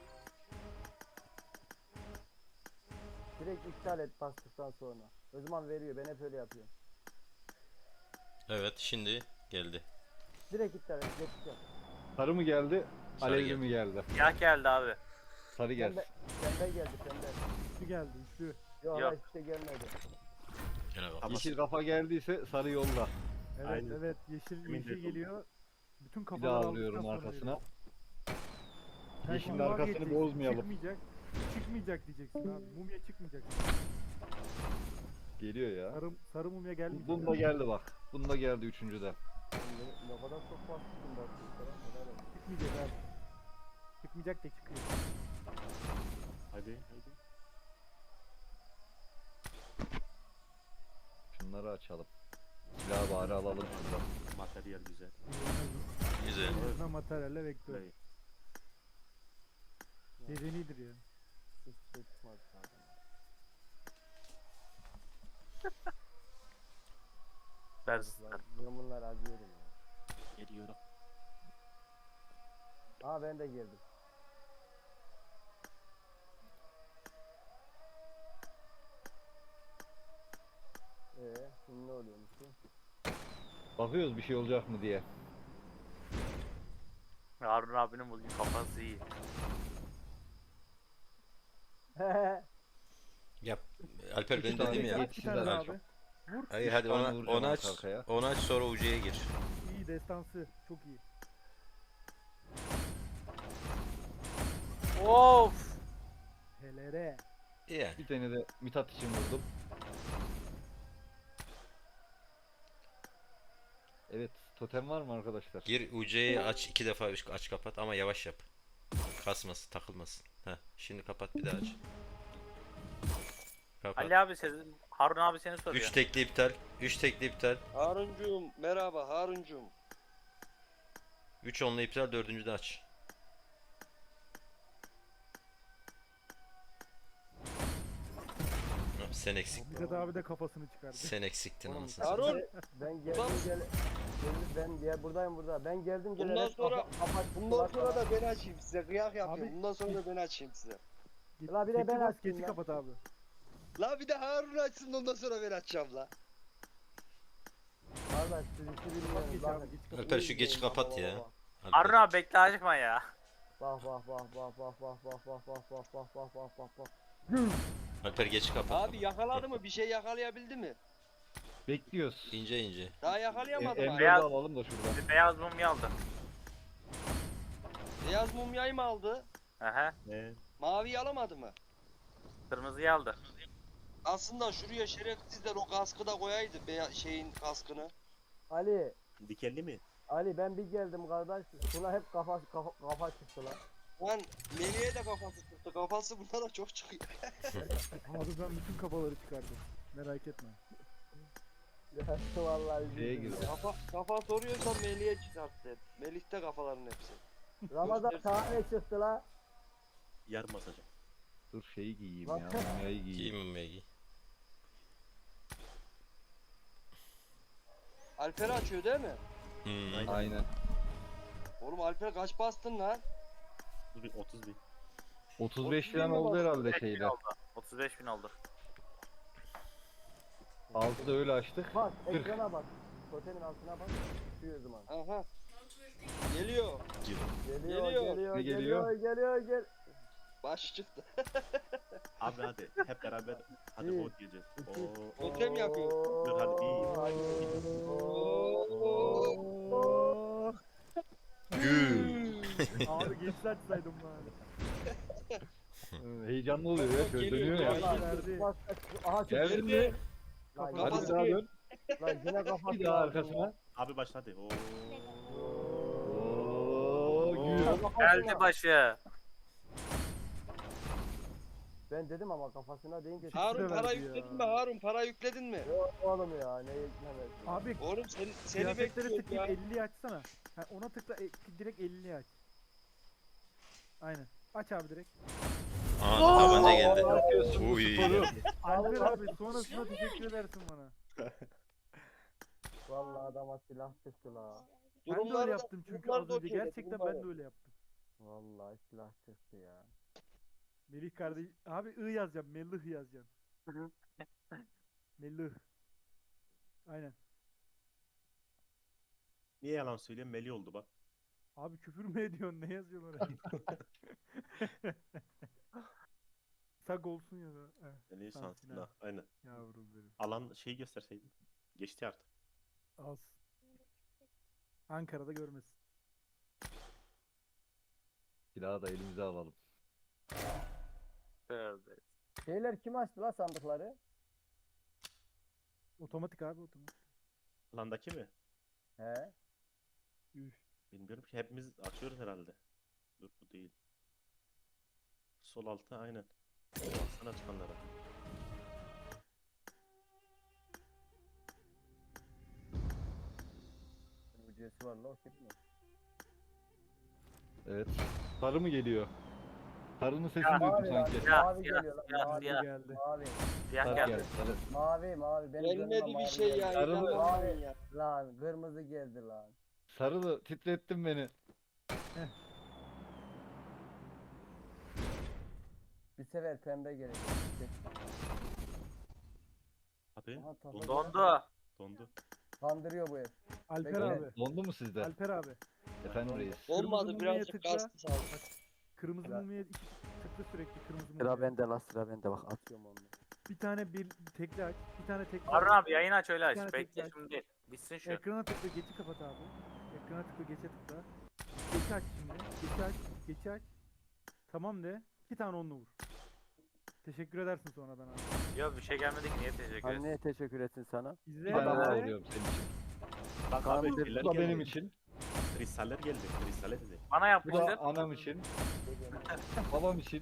Speaker 8: Direkt iptal et bastıktan sonra. O zaman veriyor. Ben hep öyle yapıyorum.
Speaker 4: Evet şimdi geldi.
Speaker 8: Direkt iptal et. Geçiş yap.
Speaker 5: Sarı mı geldi?
Speaker 4: Sarı
Speaker 5: Alevli
Speaker 4: geldi.
Speaker 5: mi geldi?
Speaker 7: Siyah geldi abi.
Speaker 5: Sarı geldi.
Speaker 8: Sende, sende geldi sende.
Speaker 6: Üçlü geldi üçlü.
Speaker 8: Yok,
Speaker 7: Yok.
Speaker 8: yok. hiçbir şey gelmedi.
Speaker 4: Gene bak.
Speaker 1: Ama
Speaker 5: Yeşil kafa geldiyse sarı yolda.
Speaker 6: Evet
Speaker 1: Aynen.
Speaker 6: evet yeşil
Speaker 1: Emin
Speaker 6: yeşil
Speaker 1: değilim.
Speaker 6: geliyor. Bütün
Speaker 5: Bir
Speaker 6: kafalar
Speaker 5: daha
Speaker 6: aldıktan
Speaker 5: alıyorum
Speaker 6: sonra
Speaker 5: arkasına.
Speaker 6: veriyor. Sen
Speaker 5: Yeşilin
Speaker 6: şimdi
Speaker 5: arkasını
Speaker 6: vazgeçeceksin,
Speaker 5: bozmayalım.
Speaker 6: Çıkmayacak. Çıkmayacak diyeceksin abi. Mumya çıkmayacak.
Speaker 5: Geliyor ya.
Speaker 6: Sarı, sarı mumya
Speaker 5: Bu-
Speaker 6: gelmeyecek.
Speaker 5: Bunda geldi bak. Bunda geldi üçüncüde.
Speaker 8: Ne, ne kadar çok bastın bastın falan. Helal olsun.
Speaker 6: Çıkmayacak abi. Çıkmayacak da çıkıyor.
Speaker 1: Hadi. Hadi.
Speaker 5: Şunları açalım. Silahı bari alalım şuradan.
Speaker 1: Materyal güzel.
Speaker 4: Güzel.
Speaker 6: En azından materyalle bekliyor.
Speaker 1: Burayı.
Speaker 6: Medenidir ya.
Speaker 8: Hiç şey çıkmadı zaten.
Speaker 7: Ders.
Speaker 8: Lan, Ben bunları acıyorum ya.
Speaker 1: Geliyorum.
Speaker 8: Aa ben de girdim. Ee, şimdi ne oluyormuş bu?
Speaker 5: Bakıyoruz bir şey olacak mı diye.
Speaker 7: Harun abinin bugün kafası iyi.
Speaker 4: Yap. Alper ben
Speaker 5: İki tane
Speaker 4: dedim ya.
Speaker 5: geç.
Speaker 6: Aç bir tane daha abi. Vur.
Speaker 4: Hayır hadi
Speaker 5: tane
Speaker 4: ona,
Speaker 5: vuracağım
Speaker 4: onu aç.
Speaker 5: arka arkaya.
Speaker 4: Onu aç sonra ucuya gir.
Speaker 6: İyi destansı. Çok iyi.
Speaker 7: Of.
Speaker 6: Helere.
Speaker 4: Yani.
Speaker 5: Bir tane de Mithat için vurdum. Evet, totem var mı arkadaşlar?
Speaker 4: Gir ucuya aç iki defa üç- aç kapat ama yavaş yap. Kasmasın, takılmasın. Heh, şimdi kapat bir daha aç. Kapat.
Speaker 7: Ali abi senin, Harun abi seni soruyor.
Speaker 4: üç tekli iptal. üç tekli iptal.
Speaker 9: Haruncuğum merhaba Haruncuğum.
Speaker 4: üç onlu iptal, dördüncü de aç. Hop, Sen eksik.
Speaker 6: Mithat abi de kafasını çıkardı.
Speaker 4: Sen eksiktin
Speaker 8: Oğlum,
Speaker 4: anasını
Speaker 9: Harun!
Speaker 4: satayım.
Speaker 8: Ben geldim gel. geldim, ben gel buradayım burada. Ben geldim
Speaker 9: Bundan
Speaker 8: gelerek
Speaker 9: sonra-
Speaker 8: kafa- kafa
Speaker 9: Bundan
Speaker 8: çıktılar
Speaker 9: sonra
Speaker 8: bana.
Speaker 9: da ben açayım size kıyak yapıyorum.
Speaker 6: Abi-
Speaker 9: Bundan sonra da ben açayım size.
Speaker 6: Git,
Speaker 8: La bir de
Speaker 6: geçi
Speaker 8: ben
Speaker 6: bas,
Speaker 8: açtım
Speaker 6: geçi
Speaker 8: ya.
Speaker 6: kapat abi.
Speaker 9: La bir de Harun açsın ondan sonra ben açacağım la.
Speaker 8: Kardeş siz işi bilmiyorsunuz.
Speaker 6: Geç
Speaker 8: bakın.
Speaker 6: abi geç kapat.
Speaker 4: Alper şu
Speaker 8: İyi
Speaker 4: geçi
Speaker 8: izleyin,
Speaker 4: kapat
Speaker 8: bak,
Speaker 4: ya.
Speaker 8: bak, bak.
Speaker 7: Harun abi bekle acıkma ya.
Speaker 8: Bak bak bak bak bak bak bak bak bak bak bak bak bak bak bak.
Speaker 4: Alper geçi kapat.
Speaker 9: Abi yakaladı mı? Bir şey yakalayabildi mi?
Speaker 5: Bekliyoruz.
Speaker 4: İnce ince.
Speaker 9: Daha
Speaker 5: E,
Speaker 9: yakalayamadı
Speaker 5: M
Speaker 9: mı?
Speaker 5: dördü
Speaker 7: Beyaz-
Speaker 5: alalım da şuradan.
Speaker 7: Bir beyaz mumya aldı.
Speaker 9: Beyaz mumyayı mı aldı?
Speaker 7: Aha.
Speaker 1: Ne?
Speaker 9: Maviyi alamadı mı?
Speaker 7: Kırmızıyı aldı.
Speaker 9: Aslında şuraya şerefsizler o kaskı da koyaydı beya şeyin kaskını.
Speaker 8: Ali
Speaker 1: Dikenli mi?
Speaker 8: Ali ben bir geldim kardeş. Şuna hep kafa kafa, kafa çıktı lan.
Speaker 9: Lan Melih'e de kafası çıktı. Kafası bunlara çok çıkıyor.
Speaker 6: Abi ben bütün kafaları çıkardım. Merak etme.
Speaker 8: Ya vallahi.
Speaker 5: Şeye
Speaker 8: üzüldüm
Speaker 5: girdi.
Speaker 8: ya.
Speaker 9: Kafa, kafa soruyorsan Melih'e çıkarttı. Melih'te kafaların hepsi.
Speaker 8: Ramazan tane çıktı la.
Speaker 1: Yarım basacağım.
Speaker 5: Dur şeyi giyeyim
Speaker 8: Bak.
Speaker 5: ya. Mumyayı
Speaker 4: Giy
Speaker 5: giyeyim.
Speaker 4: mumya giy.
Speaker 9: Alper açıyor değil mi?
Speaker 4: Hmm.
Speaker 5: Aynen.
Speaker 9: Oğlum Alper kaç bastın lan?
Speaker 1: otuz bin. otuz bin.
Speaker 5: otuz beş
Speaker 9: otuz
Speaker 5: falan
Speaker 9: bin mi
Speaker 5: oldu
Speaker 9: bastın?
Speaker 5: herhalde
Speaker 7: otuz beş bin
Speaker 5: şeyde.
Speaker 7: oldu. otuz beş bin oldu.
Speaker 5: altıda öyle açtık.
Speaker 8: Bak
Speaker 5: kırk.
Speaker 8: ekrana bak. Totemin altına bak. Düşüyor zaman.
Speaker 9: Aha. Geliyor.
Speaker 8: Geliyor
Speaker 9: Geliyor.
Speaker 8: geliyor
Speaker 5: Ne
Speaker 8: geliyor
Speaker 5: geliyor?
Speaker 8: geliyor gel.
Speaker 9: Baş çıktı.
Speaker 1: Abi hadi hep beraber hadi
Speaker 8: Bir,
Speaker 1: o diyeceğiz.
Speaker 8: iki.
Speaker 1: Oo.
Speaker 9: Totem yapıyor.
Speaker 1: Dur hadi bir.
Speaker 8: Oo.
Speaker 4: Gül.
Speaker 6: Abi geç açsaydım bari.
Speaker 5: Ee, Heyecanlı oluyor ya. Şöyle
Speaker 9: Geliyor
Speaker 5: dönüyor
Speaker 9: ya.
Speaker 5: ya.
Speaker 8: Vallahi
Speaker 6: Verdi.
Speaker 8: bak, aha çıktı.
Speaker 5: Geldin mi?
Speaker 8: Lan
Speaker 5: Hadi
Speaker 9: Kafası
Speaker 5: bir daha
Speaker 9: bir.
Speaker 5: dön.
Speaker 8: Lan yine kafası
Speaker 5: Bir daha
Speaker 8: lazım
Speaker 5: arkasına.
Speaker 1: Abi başladı. Oo.
Speaker 5: Oo, gül.
Speaker 8: ya. Kafasına.
Speaker 7: Geldi başı.
Speaker 8: Ben dedim ama kafasına deyince
Speaker 9: Harun
Speaker 6: de
Speaker 9: para
Speaker 6: verdi
Speaker 9: yükledin
Speaker 6: ya.
Speaker 9: mi? Harun para yükledin mi?
Speaker 8: Yok oğlum ya ne yüklemez.
Speaker 6: Abi
Speaker 9: Oğlum seni, seni
Speaker 6: kıyafetlere
Speaker 9: bekliyorum
Speaker 6: tıklayıp
Speaker 9: ya.
Speaker 6: elliyi açsana. Ha, ona tıkla e, direkt elliyi aç. Aynen. Aç abi direkt.
Speaker 4: Aha tabanca geldi.
Speaker 5: Ne yapıyorsun bu
Speaker 4: Uy.
Speaker 5: sporu?
Speaker 6: Alper abi sonrasında teşekkür edersin bana.
Speaker 8: Vallahi adama silah çıktı la.
Speaker 6: Ben de öyle
Speaker 9: Durumları da-
Speaker 6: yaptım çünkü
Speaker 9: durumları
Speaker 6: az
Speaker 9: da
Speaker 6: önce.
Speaker 9: okey de,
Speaker 6: Gerçekten ben
Speaker 9: durumları.
Speaker 6: de öyle yaptım.
Speaker 8: Vallahi silah çıktı ya.
Speaker 6: Melih kardeş. Abi I yazacağım. Melih yazacağım. Melih. Aynen.
Speaker 1: Niye yalan söylüyorum? Meli oldu bak.
Speaker 6: Abi küfür mü ediyorsun? Ne yazıyorsun oraya? Sak olsun ya da. He,
Speaker 1: Meli
Speaker 6: Şansına.
Speaker 1: şansına. Aynen.
Speaker 6: yavrum benim.
Speaker 1: Alan şeyi gösterseydin. Geçti artık.
Speaker 6: Az. Ankara'da görmesin.
Speaker 5: Silahı da elimize alalım.
Speaker 7: Tövbe.
Speaker 8: Şeyler kim açtı la sandıkları?
Speaker 6: Otomatik abi otomatik.
Speaker 1: Alandaki mi?
Speaker 8: He.
Speaker 6: Üf.
Speaker 1: Bilmiyorum ki hepimiz açıyoruz herhalde. Dur bu değil. Sol altta aynen. Baksana çıkanlara.
Speaker 8: Ücreti var la o kim mi?
Speaker 5: Evet. Sarı mı geliyor? Sarının sesini
Speaker 7: Ya,
Speaker 5: duydum
Speaker 8: Mavi lan,
Speaker 5: sanki.
Speaker 7: Ya,
Speaker 8: mavi
Speaker 7: ya,
Speaker 8: geliyor lan.
Speaker 7: ya,
Speaker 8: Mavi,
Speaker 7: ya.
Speaker 6: Geldi.
Speaker 8: mavi,
Speaker 7: Siyah
Speaker 5: Sarı
Speaker 7: geldi.
Speaker 5: geldi. Sarı.
Speaker 8: mavi, mavi. Benim gözüme
Speaker 9: Gelmedi bir
Speaker 8: mavi
Speaker 9: şey ya.
Speaker 8: geldi.
Speaker 5: Sarılı-
Speaker 9: inanamıyorum ya.
Speaker 8: Lan kırmızı geldi lan.
Speaker 5: Sarılı titrettin beni.
Speaker 8: Bir sefer pembe gelecek.
Speaker 1: Hadi.
Speaker 8: Aha, tabii.
Speaker 7: Dondu.
Speaker 1: Dondu.
Speaker 8: Kandırıyor bu ev.
Speaker 6: Alper
Speaker 8: Bekle.
Speaker 6: abi.
Speaker 5: Dondu mu sizde?
Speaker 6: Alper abi.
Speaker 5: Efendim reis.
Speaker 9: Olmadı
Speaker 6: Kırmızı
Speaker 9: birazcık
Speaker 6: mumya tıkla.
Speaker 9: kastı sağ ol.
Speaker 6: Kırmızı
Speaker 8: Sıra-
Speaker 6: mumya iki tıklı sürekli kırmızı mumya.
Speaker 8: Sıra bende la sıra bende bak atıyorum onu.
Speaker 6: Bir tane bir tekli aç. Bir tane tekli
Speaker 7: Harun
Speaker 6: aç.
Speaker 7: abi yayın aç öyle
Speaker 6: Bir tane
Speaker 7: aç. Bekle
Speaker 6: tekrar.
Speaker 7: şimdi değil. Bitsin şu.
Speaker 6: Ekrana tıkla geçi kapat abi. Ekrana tıkla geçe tıkla. Geçi aç şimdi. Geçi aç. Geçi aç. Tamam de. İki tane onlu vur. Teşekkür edersin sonradan abi.
Speaker 7: Yok bir şey gelmedi ki niye teşekkür ederim.
Speaker 8: Anneye teşekkür etsin sana.
Speaker 6: İzle
Speaker 5: Bir
Speaker 6: ya.
Speaker 5: tane daha
Speaker 8: Adamlar-
Speaker 5: vuruyorum senin için.
Speaker 1: Bak
Speaker 8: Kaan
Speaker 1: abi
Speaker 8: bir-
Speaker 1: şeyler
Speaker 5: Bu da
Speaker 1: geldi.
Speaker 5: benim için.
Speaker 1: Kristaller geldi. Kristaller dedi.
Speaker 7: Bana
Speaker 5: Bu
Speaker 7: yapmıştır.
Speaker 5: da anam için. Babam için.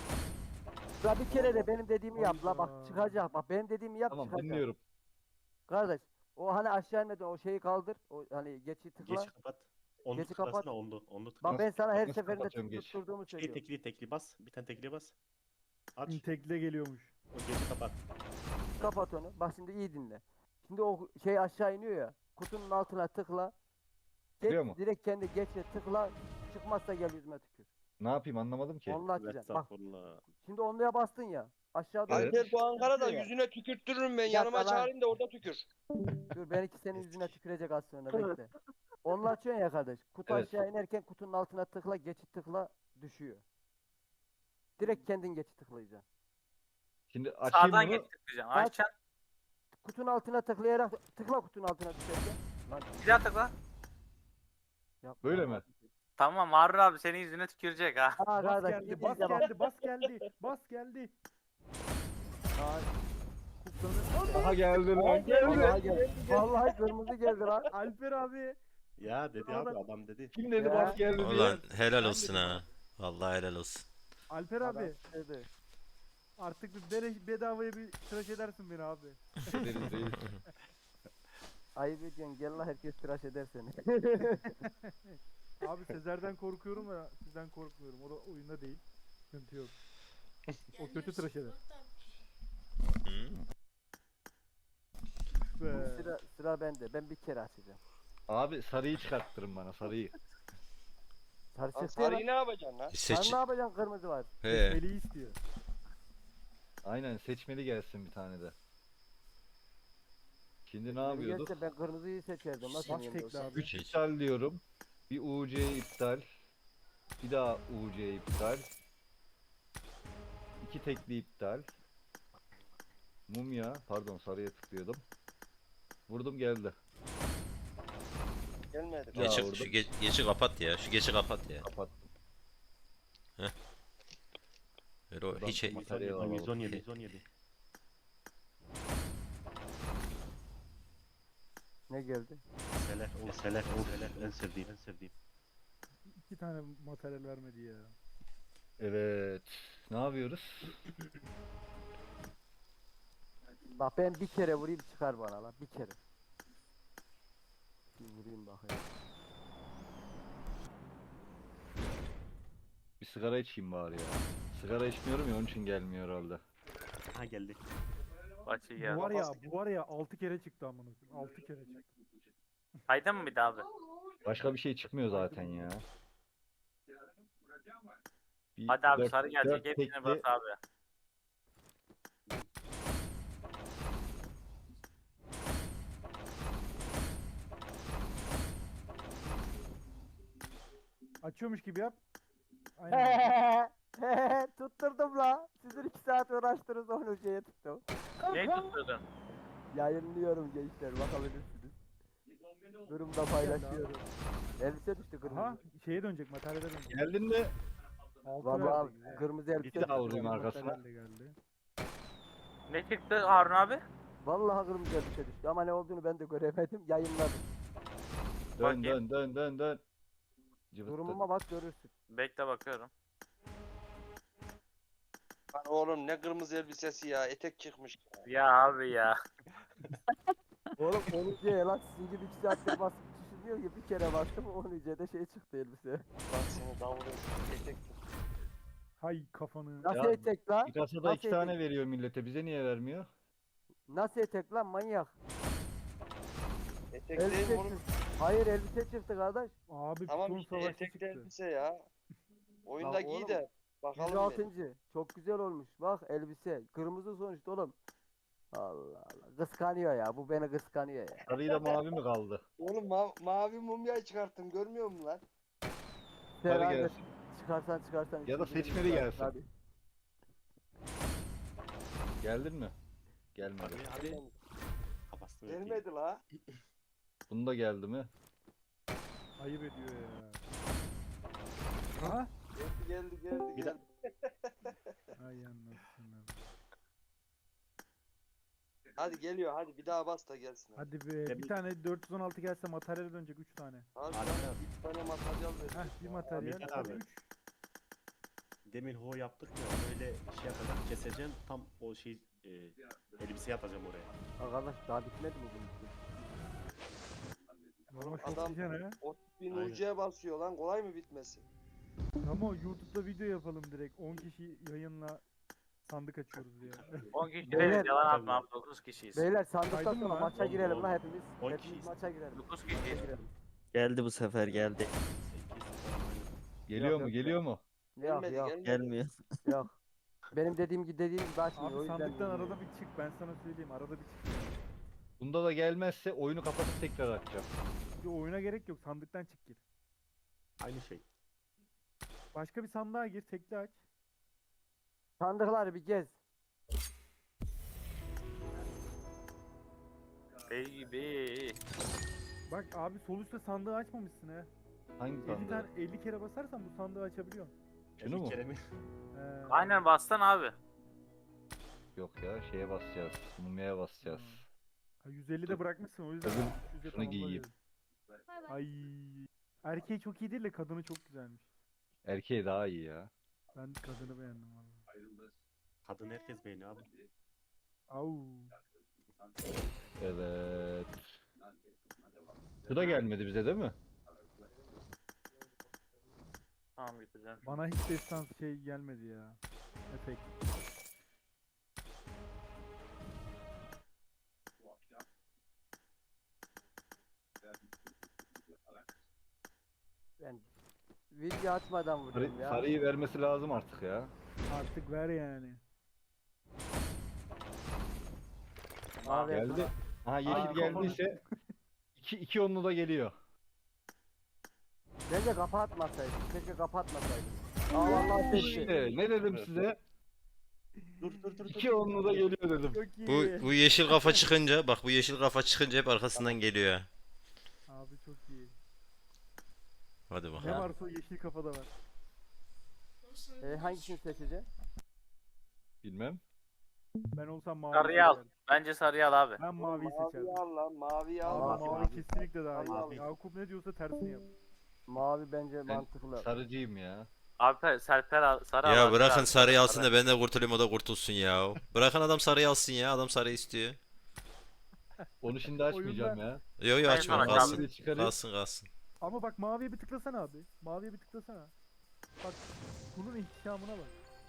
Speaker 8: La bir kere de benim dediğimi yap la bak
Speaker 6: Hayda.
Speaker 8: çıkacak bak benim dediğimi yap
Speaker 5: Tamam
Speaker 8: çıkacak.
Speaker 5: dinliyorum.
Speaker 8: Kardeş o hani aşağı inmeden o şeyi kaldır. O hani geçi tıkla.
Speaker 1: Geçi kapat. Onlu
Speaker 8: Geçi
Speaker 1: tıklasana
Speaker 8: kapat.
Speaker 1: onlu. Onlu tıkla.
Speaker 8: Bak ben sana her
Speaker 5: nasıl
Speaker 8: seferinde
Speaker 5: kapatıyorum geç?
Speaker 8: tutturduğumu
Speaker 1: Şey
Speaker 8: söylüyorum.
Speaker 1: tekli tekli bas. Bir tane tekli bas. Aç.
Speaker 6: Tekle geliyormuş.
Speaker 1: O geçi kapat.
Speaker 8: Kapat onu. Bak şimdi iyi dinle. Şimdi o şey aşağı iniyor ya. Kutunun altına tıkla. Geç,
Speaker 5: Çıkıyor mu?
Speaker 8: direkt kendi geçe tıkla. Çıkmazsa gel yüzüme tükür.
Speaker 5: Ne yapayım anlamadım ki.
Speaker 8: Onu açacaksın. Bak
Speaker 1: Estağfurullah.
Speaker 8: şimdi onluya bastın ya. Aşağıda
Speaker 5: Evet.
Speaker 9: Alper bu Ankara'da
Speaker 8: Ya.
Speaker 9: yüzüne tükürttürürüm ben.
Speaker 8: Yapma
Speaker 9: Yanıma
Speaker 8: lan.
Speaker 9: çağırayım da orada tükür.
Speaker 8: dur benimki senin yüzüne tükürecek az sonra bekle. Onu açıyorsun ya kardeş. Kutu
Speaker 5: Evet.
Speaker 8: aşağı inerken kutunun altına tıkla, geçit tıkla düşüyor. Direkt kendin geçit tıklayacaksın.
Speaker 5: Şimdi açayım
Speaker 7: Sağdan
Speaker 5: bunu.
Speaker 7: geç tıklayacaksın.
Speaker 8: Aç.
Speaker 7: Açacaksın.
Speaker 8: Kutunun altına tıklayarak tıkla kutunun altına düşerken. Lan
Speaker 7: Bir daha tıkla.
Speaker 8: yapma.
Speaker 5: Böyle mi?
Speaker 7: Tamam Harun abi senin yüzüne tükürecek ha.
Speaker 8: Aa
Speaker 6: Bas
Speaker 8: kardeş
Speaker 6: geldi,
Speaker 8: iyi
Speaker 6: bas
Speaker 8: dinle bak.
Speaker 6: geldi, bas geldi, bas geldi.
Speaker 8: Aa,
Speaker 6: Kuklanır.
Speaker 5: Aha geldi lan.
Speaker 8: Vallahi geldi. Vallahi kırmızı geldi lan.
Speaker 6: Alper abi.
Speaker 1: Ya dedi abi adam dedi.
Speaker 5: Kim dedi
Speaker 8: Ya.
Speaker 5: bak geldi diye.
Speaker 4: Ulan helal olsun ha. Vallahi helal olsun.
Speaker 6: Alper
Speaker 8: Adam
Speaker 6: abi.
Speaker 8: dedi.
Speaker 6: Artık bir bere- bedavaya bir tıraş edersin beni abi.
Speaker 5: Deriz reis.
Speaker 8: Ayıp ediyorsun gel la herkes tıraş eder seni.
Speaker 6: Abi Sezer'den korkuyorum da sizden korkmuyorum. O da oyunda değil. Sıkıntı yok. O kötü tıraş eder.
Speaker 4: Hı?
Speaker 6: Be.
Speaker 8: sıra, sıra bende. Ben bir kere açacağım.
Speaker 5: Abi sarıyı çıkarttırın bana sarıyı.
Speaker 8: Sarı
Speaker 9: Lan
Speaker 8: çıktı ya lan.
Speaker 9: sarıyı ne yapacaksın lan?
Speaker 8: Sen
Speaker 4: Seç.
Speaker 8: ne yapacaksın kırmızı var.
Speaker 4: He.
Speaker 6: Eli istiyor.
Speaker 5: Aynen seçmeli gelsin bir tane de. Şimdi ne
Speaker 8: Beni
Speaker 5: yapıyorduk?
Speaker 8: gelse ben kırmızıyı seçerdim. Nasıl
Speaker 6: Bas
Speaker 8: yeniyim
Speaker 6: tekli
Speaker 8: dostum?
Speaker 6: abi.
Speaker 5: üç iptal diyorum. Bir U C iptal. Bir daha U C iptal. İki tekli iptal. Mumya. Pardon sarıya tıklıyordum. Vurdum geldi.
Speaker 9: Gelmedi.
Speaker 5: Ya
Speaker 4: Geçi,
Speaker 5: orada-
Speaker 4: şu geç, geçi kapat ya. Şu geçi kapat ya.
Speaker 5: Kapattım.
Speaker 4: Öyle o
Speaker 5: Buradan
Speaker 4: hiç
Speaker 5: materyal alalım.
Speaker 1: yüz on yedi yüz on yedi.
Speaker 8: Ne geldi?
Speaker 1: Seler, o seler, o seler. En sevdiğim, en sevdiğim.
Speaker 6: İki tane materyal vermedi ya.
Speaker 5: Evet. Ne yapıyoruz?
Speaker 8: Bak ben bir kere vurayım çıkar bana lan bir kere. Bir vurayım bakayım.
Speaker 5: Bir sigara içeyim bari ya. Sigara içmiyorum ya onun için gelmiyor herhalde.
Speaker 1: Ha geldi.
Speaker 7: Başı
Speaker 6: Bu
Speaker 7: geldi.
Speaker 6: var ya, bu var ya altı kere çıktı amına koyayım. altı kere çıktı.
Speaker 7: Kaydın mı bir daha abi?
Speaker 5: Başka bir şey çıkmıyor zaten ya. Bir
Speaker 7: Hadi abi
Speaker 5: dört-
Speaker 7: sarı gelecek.
Speaker 5: dört
Speaker 7: Hepsini
Speaker 5: tekli-
Speaker 7: bas abi.
Speaker 6: Açıyormuş gibi yap. Aynen.
Speaker 8: Tutturdum la. Sizin iki saat uğraştınız onu şeye tuttum.
Speaker 7: Ne tutturdun?
Speaker 8: Yayınlıyorum gençler bakabilirsiniz. Durumda paylaşıyorum. Elbise düştü kırmızı.
Speaker 6: Aha şeye dönecek, materyale dönecek.
Speaker 5: Geldin de
Speaker 6: Altı
Speaker 8: Vallahi
Speaker 6: verdi güzel.
Speaker 8: kırmızı elbise
Speaker 5: Bir daha
Speaker 8: düştü.
Speaker 5: vurayım arkasına.
Speaker 6: Materyal de geldi.
Speaker 7: Ne çıktı Harun abi?
Speaker 8: Vallahi kırmızı elbise düştü ama ne olduğunu ben de göremedim. Yayınladım.
Speaker 5: dön
Speaker 7: Bakayım.
Speaker 5: dön dön dön dön. Cıvıttı.
Speaker 8: Durumuma bak görürsün.
Speaker 7: Bekle bakıyorum.
Speaker 9: Lan oğlum ne kırmızı elbisesi ya. Etek çıkmış.
Speaker 7: Ya abi ya.
Speaker 8: Oğlum onu diye lan sizin gibi iki saattir basıp düşünüyor ki bir kere bastım on de şey çıktı elbise.
Speaker 9: Bak seni davul etek çıkmış.
Speaker 6: Hay kafanı.
Speaker 8: Nasıl
Speaker 5: Ya,
Speaker 8: etek lan?
Speaker 5: Bir kasada
Speaker 8: Nasıl
Speaker 5: iki tane
Speaker 8: etek?
Speaker 5: veriyor millete. Bize niye vermiyor?
Speaker 8: Nasıl etek lan manyak?
Speaker 9: Etek değil
Speaker 8: Elbise
Speaker 9: mi oğlum?
Speaker 8: çıktı. Hayır elbise çıktı kardeş.
Speaker 6: Abi
Speaker 9: Tamam
Speaker 6: piton
Speaker 9: işte
Speaker 6: savaşı
Speaker 9: etekli
Speaker 6: çıktı.
Speaker 9: elbise ya. Oyunda giy
Speaker 8: oğlum,
Speaker 9: de bakalım bir.
Speaker 8: yüz altıncı. Çok güzel olmuş. Bak elbise. Kırmızı sonuçta oğlum. Allah Allah. Kıskanıyor ya. Bu beni kıskanıyor ya.
Speaker 5: Sarıyla mavi mi kaldı?
Speaker 9: Oğlum ma- mavi mumya çıkarttım görmüyor musun lan?
Speaker 5: Sarı
Speaker 8: Sen
Speaker 5: gelsin.
Speaker 8: Çıkarsan çıkarsan.
Speaker 5: Ya da
Speaker 8: istediğini
Speaker 5: seçmeli
Speaker 8: çıkar.
Speaker 5: gelsin.
Speaker 8: Hadi.
Speaker 5: Geldin mi? Gelmedi.
Speaker 1: Hadi hadi. Kafasını öpeyim.
Speaker 9: Gelmedi la.
Speaker 5: Bunu da geldi mi?
Speaker 6: Ayıp ediyor ya. Ha?
Speaker 9: Geldi geldi geldi
Speaker 1: Bir
Speaker 9: geldi.
Speaker 6: Ay anasını.
Speaker 9: Hadi geliyor hadi bir daha bas da gelsin. Hadi.
Speaker 6: Hadi be. Bir tane dört yüz on altı gelse materyale dönecek üç tane.
Speaker 9: Hadi
Speaker 1: Hadi
Speaker 9: lan,
Speaker 1: abi.
Speaker 9: bir tane materyal ver.
Speaker 6: Heh bir materyal.
Speaker 1: Ahmet
Speaker 6: Hadi
Speaker 1: abi.
Speaker 6: üç.
Speaker 1: Demin ho yaptık ya böyle şey yapacağım keseceğim tam o şey e, elbise yapacağım oraya.
Speaker 8: Arkadaş daha bitmedi mi bunun için?
Speaker 6: Ama çok
Speaker 9: Adam-
Speaker 6: güzel ha.
Speaker 9: otuz bin
Speaker 1: Aynen.
Speaker 9: U C'ye basıyor lan kolay mı bitmesi?
Speaker 6: Ama YouTube'da video yapalım direkt. on kişi yayınla sandık açıyoruz diye.
Speaker 7: on kişi
Speaker 8: Beyler-
Speaker 7: değiliz yalan atma abi dokuz kişiyiz.
Speaker 8: Beyler sandıktan
Speaker 6: Saydın mı
Speaker 8: sonra
Speaker 6: lan?
Speaker 8: maça
Speaker 1: Oldu,
Speaker 8: girelim
Speaker 1: oldu.
Speaker 8: lan hepimiz.
Speaker 1: On
Speaker 8: Hepimiz
Speaker 1: kişiyiz.
Speaker 8: maça girelim.
Speaker 7: dokuz
Speaker 8: Maça
Speaker 7: kişiyiz.
Speaker 8: girelim.
Speaker 3: Geldi bu sefer geldi.
Speaker 5: Geliyor
Speaker 8: Yok,
Speaker 5: mu?
Speaker 8: yok,
Speaker 5: Geliyor mu?
Speaker 8: Yok
Speaker 9: Gelmedi
Speaker 8: yok
Speaker 9: gelmedi.
Speaker 3: Gelmiyor.
Speaker 8: yok. Benim dediğim gibi dediğim gibi açmıyor. o
Speaker 6: Abi
Speaker 8: yüzden
Speaker 6: sandıktan
Speaker 8: bilmiyorum.
Speaker 6: arada bir çık. Ben sana söyleyeyim. Arada bir çık.
Speaker 5: Bunda da gelmezse oyunu kapatıp tekrar açacağım.
Speaker 6: Bir oyuna gerek yok. Sandıktan çık gir.
Speaker 1: Aynı şey.
Speaker 6: Başka bir sandığa gir. Tekli aç.
Speaker 8: Sandıkları bir gez.
Speaker 7: Baby.
Speaker 6: Bak abi sol üstte sandığı açmamışsın ha.
Speaker 5: Hangi
Speaker 6: elli,
Speaker 5: sandığı?
Speaker 6: tane, elli kere basarsan bu sandığı açabiliyorsun.
Speaker 5: Şunu
Speaker 1: elli
Speaker 5: mu?
Speaker 1: kere mi?
Speaker 6: Ee,
Speaker 7: Aynen bastan abi.
Speaker 5: Yok ya şeye basacağız. Mumyaya basacağız.
Speaker 6: Ha, yüz elli de bırakmışsın o yüzden.
Speaker 5: Öbür-
Speaker 6: üç yüze
Speaker 5: şunu
Speaker 6: tamamla
Speaker 5: giyeyim.
Speaker 6: dedim. Ay. Erkeği çok iyi değil de kadını çok güzelmiş.
Speaker 5: Erkeği daha iyi ya.
Speaker 6: Ben kadını beğendim valla.
Speaker 1: Kadın herkes beğeniyor abi.
Speaker 6: Au.
Speaker 5: Evet. Bu da gelmedi bize değil mi?
Speaker 7: Tamam getireceğim.
Speaker 6: Bana hiç destan şey gelmedi ya. Efekt.
Speaker 8: Ben video açmadan
Speaker 5: Sarı,
Speaker 8: vuruyorum ya.
Speaker 5: sarıyı vermesi lazım artık ya.
Speaker 6: Artık ver yani.
Speaker 8: Abi,
Speaker 5: Geldi. Ha yeşil
Speaker 6: Aa,
Speaker 5: geldiyse iki, iki onlu da geliyor.
Speaker 8: Bence kapatmasaydım. Keşke kapatmasaydım. Aa vallahi seçti.
Speaker 5: İşte ne dedim size?
Speaker 1: Dur dur dur. dur.
Speaker 5: İki onlu da geliyor dedim.
Speaker 6: Çok iyi.
Speaker 4: Bu bu yeşil kafa çıkınca bak bu yeşil kafa çıkınca hep arkasından geliyor. ha.
Speaker 6: Abi çok iyi.
Speaker 4: Hadi
Speaker 6: Ne
Speaker 4: bakalım.
Speaker 6: varsa o yeşil kafada var.
Speaker 8: E, hangisini seçeceğim?
Speaker 5: Bilmem.
Speaker 6: Ben olsam mavi
Speaker 7: Sarıyı al.
Speaker 6: seçerdim.
Speaker 7: Bence sarıyı al abi.
Speaker 6: Ben maviyi
Speaker 9: Mavi
Speaker 6: seçerdim.
Speaker 9: al lan mavi al.
Speaker 6: Abi
Speaker 1: Mavi,
Speaker 6: mavi
Speaker 1: mavi.
Speaker 6: kesinlikle daha
Speaker 9: Mavi.
Speaker 6: iyi. Yakup ne diyorsa tersini yap.
Speaker 8: Mavi bence
Speaker 5: Ben
Speaker 8: mantıklı.
Speaker 5: sarıcıyım ya.
Speaker 7: Abi Serper al. Sarı al
Speaker 4: Ya
Speaker 7: abi,
Speaker 4: bırakın
Speaker 7: sarı.
Speaker 4: sarıyı alsın da ben de kurtulayım o da kurtulsun ya. Bırakın adam sarıyı alsın ya. Adam sarıyı istiyor.
Speaker 5: Onu şimdi açmayacağım ya.
Speaker 4: Yo yo
Speaker 7: Ben
Speaker 4: açma
Speaker 7: sana
Speaker 4: kalsın.
Speaker 5: Maviyi çıkarayım.
Speaker 4: Kalsın kalsın.
Speaker 6: Ama bak maviye bir tıklasana abi. Maviye bir tıklasana. Bak bunun ihtişamına bak.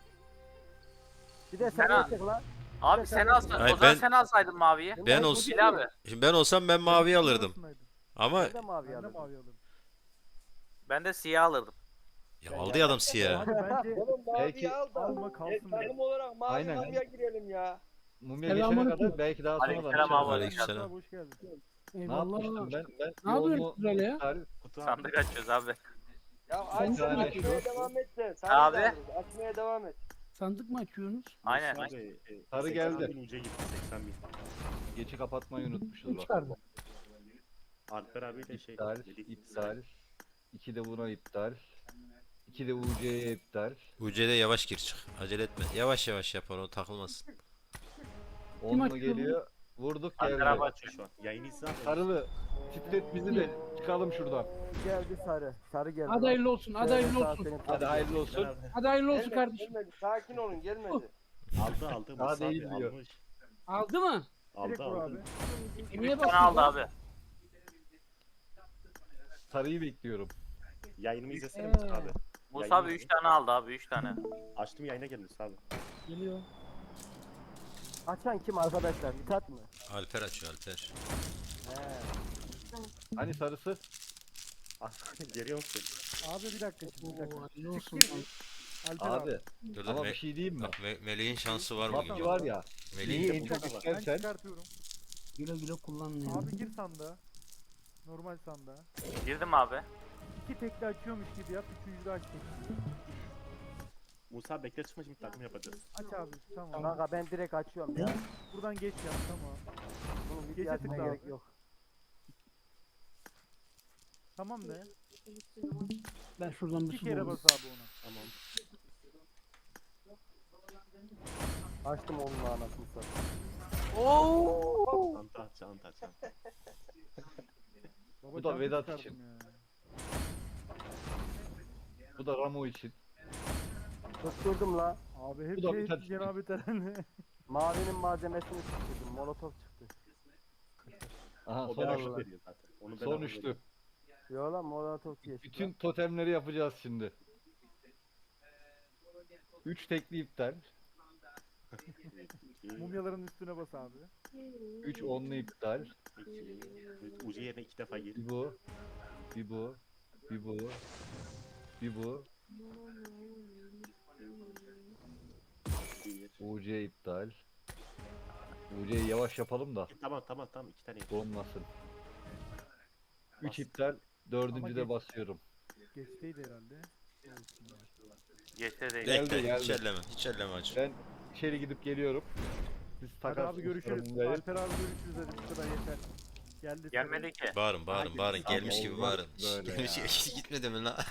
Speaker 8: Bir de
Speaker 7: Sen
Speaker 8: sen
Speaker 7: al.
Speaker 8: seç lan.
Speaker 7: Abi sen alsaydın.
Speaker 4: Hayır,
Speaker 7: O zaman
Speaker 4: ben-
Speaker 7: sen alsaydın maviyi.
Speaker 4: Ben
Speaker 8: o
Speaker 4: olsun-
Speaker 8: değil.
Speaker 7: abi.
Speaker 4: Şimdi ben olsam ben maviyi alırdım.
Speaker 6: Arasındaydım.
Speaker 4: Ama
Speaker 8: Ben de mavi
Speaker 6: Ben de
Speaker 8: alırım.
Speaker 6: mavi alırım.
Speaker 7: Ben de siyah alırdım.
Speaker 4: ya aldı ya adam siyah.
Speaker 6: Abi bence
Speaker 9: Oğlum mavi
Speaker 5: Belki-
Speaker 9: al da.
Speaker 6: alma
Speaker 9: E,
Speaker 6: kalsın.
Speaker 9: takım olarak mavi
Speaker 5: Aynen.
Speaker 9: maviye girelim ya.
Speaker 5: Mumya geçene kadar belki daha sonra da
Speaker 7: Aleykümselam
Speaker 5: açarım.
Speaker 7: abi.
Speaker 4: Aleykümselam.
Speaker 6: Hoş geldin.
Speaker 5: Ne yapmıştım ben? Ben
Speaker 10: Ne yapıyorsun
Speaker 5: yolunu
Speaker 10: böyle ya?
Speaker 5: tarif-
Speaker 1: Kutu abi.
Speaker 7: Sandık açıyoruz abi.
Speaker 9: Ya
Speaker 10: Sen
Speaker 9: açmaya
Speaker 5: tane
Speaker 9: açmaya
Speaker 5: şu-
Speaker 9: devam et de. Sen
Speaker 7: Abi.
Speaker 9: de alırız. Açmaya devam et.
Speaker 10: Sandık mı açıyorsunuz?
Speaker 7: Aynen.
Speaker 1: Abi, e,
Speaker 5: Sarı
Speaker 1: seksen
Speaker 5: geldi.
Speaker 1: bin uca gitti seksen bin.
Speaker 5: geçi kapatmayı unutmuşuz
Speaker 10: Kim
Speaker 5: bak.
Speaker 10: çıkardı?
Speaker 1: Alper abiyle şey.
Speaker 5: İptal,
Speaker 1: dedik,
Speaker 5: iptal. İki de buna iptal. İki de U C'ye iptal.
Speaker 4: U C'de yavaş gir çık. Acele etme. Yavaş yavaş yap onu takılmasın.
Speaker 5: Onlu
Speaker 10: açıyor
Speaker 5: geliyor. Vurduk
Speaker 7: Alper
Speaker 5: geldi.
Speaker 7: abi
Speaker 1: Açıyor
Speaker 7: açıyor.
Speaker 1: şu an. Yayını izle abi.
Speaker 5: Sarılı. Titret bizi de çıkalım şuradan.
Speaker 8: Geldi sarı. Sarı geldi.
Speaker 10: Hadi
Speaker 8: lan.
Speaker 10: hayırlı olsun, hadi
Speaker 8: Şöyle
Speaker 10: hayırlı
Speaker 8: sağ
Speaker 10: olsun.
Speaker 8: senin
Speaker 5: Hadi
Speaker 8: sarı.
Speaker 5: hayırlı olsun.
Speaker 1: Abi.
Speaker 10: Hadi hayırlı olsun
Speaker 9: Gelmedi,
Speaker 10: kardeşim.
Speaker 9: gelmedi. Sakin olun gelmedi.
Speaker 1: Aldı aldı.
Speaker 5: Daha
Speaker 1: Musa abi
Speaker 5: değil diyor.
Speaker 1: almış.
Speaker 10: Aldı mı?
Speaker 6: Direkt
Speaker 1: Aldı
Speaker 6: vur
Speaker 1: aldı.
Speaker 6: abi.
Speaker 10: Niye
Speaker 7: üç tane
Speaker 10: bakıyorsun
Speaker 7: aldı
Speaker 10: lan?
Speaker 7: abi.
Speaker 5: Sarıyı bekliyorum.
Speaker 1: Yayınımı izlesene
Speaker 10: Ee.
Speaker 1: Musa abi.
Speaker 7: Musa abi üç tane aldı abi üç tane.
Speaker 1: Açtım yayına geldi Musa abi.
Speaker 10: Geliyor.
Speaker 8: Açan kim arkadaşlar? Mithat mı?
Speaker 4: Alper açıyor Alper.
Speaker 8: He.
Speaker 5: Hani sarısı?
Speaker 1: Geliyor musun?
Speaker 6: Abi bir dakika şimdi bir dakika.
Speaker 10: Oo, hayırlı olsun.
Speaker 6: Çık gir. Alper abi.
Speaker 5: Abi
Speaker 4: Dur dur.
Speaker 5: ama
Speaker 4: Me-
Speaker 5: bir şey diyeyim mi?
Speaker 4: Bak Me- Meleğin şansı var bugün.
Speaker 5: PUBG var ya.
Speaker 4: Melih
Speaker 5: Neyi
Speaker 4: de
Speaker 5: en
Speaker 4: bu-
Speaker 5: çok
Speaker 6: Ben
Speaker 5: istersen
Speaker 6: çıkartıyorum.
Speaker 10: Güle güle kullanın ya.
Speaker 6: Abi gir sandığa. Normal sandığa.
Speaker 7: Girdim abi.
Speaker 6: İki tekli açıyormuş gibi yap. Üçüncü de aç tekli.
Speaker 1: Musa bekle çıkma şimdi takım yapacağız.
Speaker 6: Aç abi tamam.
Speaker 8: Kanka ben direkt açıyorum ya.
Speaker 6: Buradan geç yap tamam.
Speaker 8: Bunun
Speaker 6: Gece
Speaker 8: video açmaya
Speaker 6: tıkla
Speaker 8: gerek
Speaker 6: abi.
Speaker 8: yok.
Speaker 6: Tamam de.
Speaker 10: Ben şuradan bir
Speaker 6: İki
Speaker 10: su
Speaker 6: kere
Speaker 10: bulayım.
Speaker 6: bas abi ona.
Speaker 1: Tamam.
Speaker 8: Açtım onun anasını satayım.
Speaker 1: Anta aç, anta aç. anta.
Speaker 6: Baba
Speaker 5: Bu da
Speaker 6: çanta
Speaker 5: Vedat
Speaker 6: çıkardım
Speaker 5: için.
Speaker 6: ya.
Speaker 5: bu da Ramo için.
Speaker 8: Tutturdum la.
Speaker 6: Abi hep
Speaker 5: Bu da
Speaker 6: şey
Speaker 5: bir tane-
Speaker 6: cenab-ı Teren'le.
Speaker 8: Mavinin malzemesini tutturdum. Molotof çıktı.
Speaker 5: Aha
Speaker 1: O
Speaker 5: son,
Speaker 1: bedava
Speaker 5: üçlü.
Speaker 1: veriyor zaten. Onu
Speaker 5: Son
Speaker 1: bedava
Speaker 5: üçlü.
Speaker 1: veriyor.
Speaker 8: Yo lan molotof geçti.
Speaker 5: Bütün totemleri yapacağız şimdi. üç tekli iptal.
Speaker 1: İki,
Speaker 6: Mumyaların üstüne bas abi.
Speaker 5: üç onlu iptal.
Speaker 1: iki, üç. Ucu yerine iki defa gir.
Speaker 5: Bir bu. Bir bu. Bir bu. Bir bu.
Speaker 1: Bir.
Speaker 5: U C iptal. U C'yi yavaş yapalım da
Speaker 1: Tamam tamam tamam iki tane.
Speaker 5: donmasın. üç
Speaker 1: Bas.
Speaker 5: iptal. Dördüncü de
Speaker 6: geç.
Speaker 5: basıyorum.
Speaker 6: Geçteydi herhalde.
Speaker 7: Geçte değil.
Speaker 5: Geldi,
Speaker 4: Bekle hiç
Speaker 5: geldi.
Speaker 4: elleme. Hiç elleme hacı.
Speaker 5: Ben içeri gidip geliyorum. Siz
Speaker 6: Hadi
Speaker 5: takarsınız.
Speaker 6: abi görüşürüz.
Speaker 5: sorumluluğu.
Speaker 6: Alper abi görüşürüz hadi bu kadar yeter. Geldi.
Speaker 7: Gelmedi ki.
Speaker 4: Bağırın bağırın
Speaker 1: Haydi.
Speaker 4: bağırın.
Speaker 1: Tamam,
Speaker 4: Gelmiş gibi
Speaker 5: olmaz
Speaker 4: bağırın. Şş,
Speaker 5: böyle
Speaker 4: Gelmiş
Speaker 5: ya.
Speaker 4: gitmedi mi lan?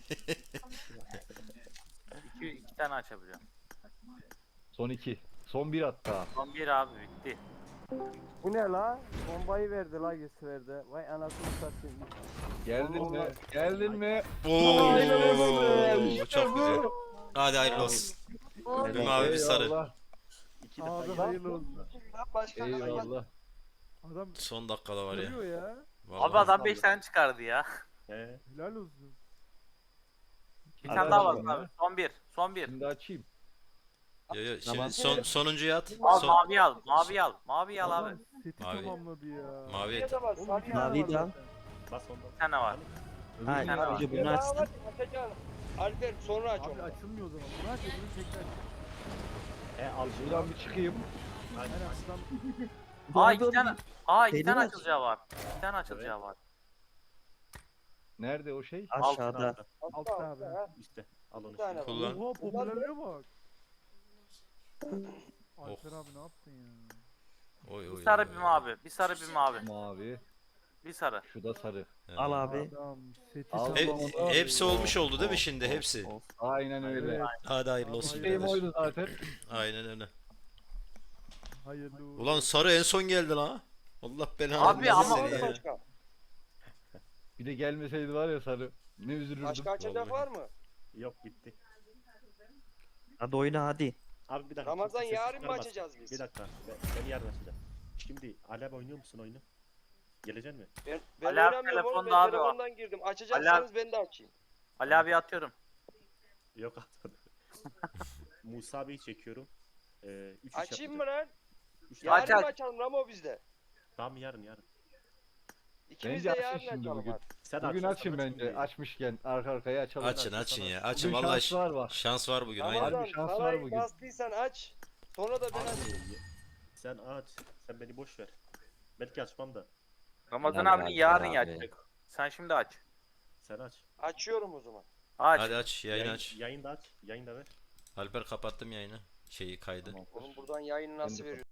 Speaker 7: İki, iki tane açabiliyorum.
Speaker 5: Son iki. Son bir hatta.
Speaker 7: Son bir abi bitti.
Speaker 8: Bu ne la? Bombayı verdi la yüz verdi. Vay anasını satayım.
Speaker 5: Geldin mi? Geldin mi?
Speaker 4: Oo, çok güzel. Hadi hayırlı olsun. Bir mavi bir sarı.
Speaker 5: Eyvallah.
Speaker 1: İki defa
Speaker 6: Abi
Speaker 1: gir.
Speaker 6: hayırlı olsun.
Speaker 9: Lan başka
Speaker 5: Eyvallah.
Speaker 6: Adam
Speaker 4: Son dakikada var ya.
Speaker 6: görüyor ya.
Speaker 7: Abi
Speaker 4: Vallahi.
Speaker 7: adam beş tane çıkardı ya.
Speaker 1: He.
Speaker 6: Helal olsun.
Speaker 7: Bir tane daha
Speaker 5: Arkadaşlar
Speaker 7: var abi. Son bir. Son bir.
Speaker 5: Şimdi açayım.
Speaker 4: Yo, yo, şimdi
Speaker 5: Tamam.
Speaker 4: son sonuncuyu at.
Speaker 7: Al
Speaker 4: Son,
Speaker 7: mavi al. Mavi al. Mavi al abi.
Speaker 6: Adam seti
Speaker 4: Mavi.
Speaker 6: tamamladı ya.
Speaker 4: mavi et.
Speaker 9: da var.
Speaker 6: Oğlum,
Speaker 9: Sarı
Speaker 6: iki
Speaker 9: ya.
Speaker 6: tane
Speaker 3: Mavi
Speaker 6: var
Speaker 3: de al.
Speaker 6: zaten.
Speaker 1: Bas ondan.
Speaker 7: Bir tane var.
Speaker 3: Ha,
Speaker 7: tane var.
Speaker 3: önce bunu açsın.
Speaker 9: Açacağım. Alper sonra aç
Speaker 6: Abi
Speaker 9: onu.
Speaker 6: açılmıyor o zaman. Bunu aç öbürünü tekrar.
Speaker 1: He al şunu.
Speaker 5: Buradan bir çıkayım.
Speaker 1: Aynen.
Speaker 6: Aynen açıdan.
Speaker 7: Aa iki tane. Aa iki
Speaker 3: Şeyini
Speaker 7: tane
Speaker 3: aç.
Speaker 7: açılacağı var. İki tane açılacağı var.
Speaker 5: Nerede o şey?
Speaker 3: Aşağıda.
Speaker 6: Altta abi.
Speaker 1: İşte al onu.
Speaker 9: Bir tane
Speaker 1: şimdi.
Speaker 9: var.
Speaker 4: Kullan.
Speaker 6: Oha popülerliğe bak.
Speaker 4: Oh.
Speaker 6: Alper abi ne yaptın ya?
Speaker 4: Oy oy.
Speaker 7: Bir sarı
Speaker 4: oy,
Speaker 7: bir
Speaker 4: oy.
Speaker 7: mavi. Bir sarı bir mavi.
Speaker 5: Mavi.
Speaker 7: Bir sarı.
Speaker 5: Şu da sarı.
Speaker 4: He.
Speaker 3: Al abi.
Speaker 6: Adam seti
Speaker 5: Al.
Speaker 4: He-
Speaker 6: tamamladı.
Speaker 4: hepsi olmuş oldu değil mi şimdi hepsi?
Speaker 3: Of.
Speaker 5: Aynen öyle.
Speaker 6: Evet.
Speaker 4: Hadi hayırlı olsun.
Speaker 6: Hayırlı
Speaker 5: Şeyim
Speaker 4: birader.
Speaker 5: oydu zaten.
Speaker 4: Aynen öyle.
Speaker 6: Hayırlı uğurlu.
Speaker 4: Ulan sarı en son geldi lan. Allah belanı
Speaker 7: Abi
Speaker 4: versin
Speaker 7: ama-
Speaker 4: seni ya.
Speaker 9: Başka.
Speaker 5: Bir de gelmeseydi var ya sarı. Ne üzülürdüm.
Speaker 9: Başka açacak
Speaker 4: Vallahi.
Speaker 9: var mı?
Speaker 1: Yok bitti.
Speaker 3: Hadi oyna hadi.
Speaker 1: Abi bir dakika.
Speaker 9: Ramazan
Speaker 1: kimse ses
Speaker 9: yarın mı
Speaker 1: çıkarmaz.
Speaker 9: açacağız biz?
Speaker 1: Bir dakika. Ben, ben yarın açacağım. Şimdi Alep oynuyor musun oyunu? Gelecek mi?
Speaker 9: Ben, ben
Speaker 7: Ali abi
Speaker 9: oynamıyorum oğlum.
Speaker 7: telefonda
Speaker 9: Ben
Speaker 7: abi o.
Speaker 9: telefondan girdim. Açacaksanız ben de açayım.
Speaker 7: Ali abi atıyorum.
Speaker 1: Yok atmadım. Musa Bey'i çekiyorum. Ee, üç iş
Speaker 9: Açayım mı
Speaker 1: yapacak.
Speaker 9: lan?
Speaker 1: Üç
Speaker 9: Yarın
Speaker 7: Aç,
Speaker 9: mı
Speaker 7: aç.
Speaker 9: açalım Ramo bizde?
Speaker 1: Tamam yarın yarın.
Speaker 9: İkimiz
Speaker 5: Bence
Speaker 9: de
Speaker 5: açın
Speaker 9: yarın
Speaker 5: şimdi
Speaker 9: açalım
Speaker 5: bugün.
Speaker 9: hadi.
Speaker 1: Sen
Speaker 5: Bugün
Speaker 1: aç,
Speaker 5: açın
Speaker 1: sen
Speaker 5: bence.
Speaker 1: şimdi.
Speaker 5: Açmışken arka arkaya açalım.
Speaker 4: Açın açın ya. Açın
Speaker 5: Bugün
Speaker 4: vallahi
Speaker 5: şanslar var.
Speaker 4: şans var bugün. Aynen.
Speaker 9: Ramazan
Speaker 5: Harbi şans var
Speaker 9: parayı
Speaker 5: bugün.
Speaker 9: bastıysan aç. Sonra da ben açayım.
Speaker 1: Abi, sen aç. Sen beni boş ver. Belki açmam da.
Speaker 7: Ramazan
Speaker 3: Helal
Speaker 7: abi
Speaker 3: abi,
Speaker 7: yarın
Speaker 3: abi.
Speaker 7: yapacak. Sen şimdi aç.
Speaker 1: Sen aç.
Speaker 9: Açıyorum o zaman.
Speaker 7: Aç.
Speaker 4: Hadi aç yayın
Speaker 1: Yayın,
Speaker 4: aç.
Speaker 1: yayın da aç. Yayın da ver.
Speaker 4: Alper kapattım yayını. Şeyi kaydı.
Speaker 9: Oğlum buradan yayını nasıl
Speaker 5: Ben de
Speaker 9: veriyorsun?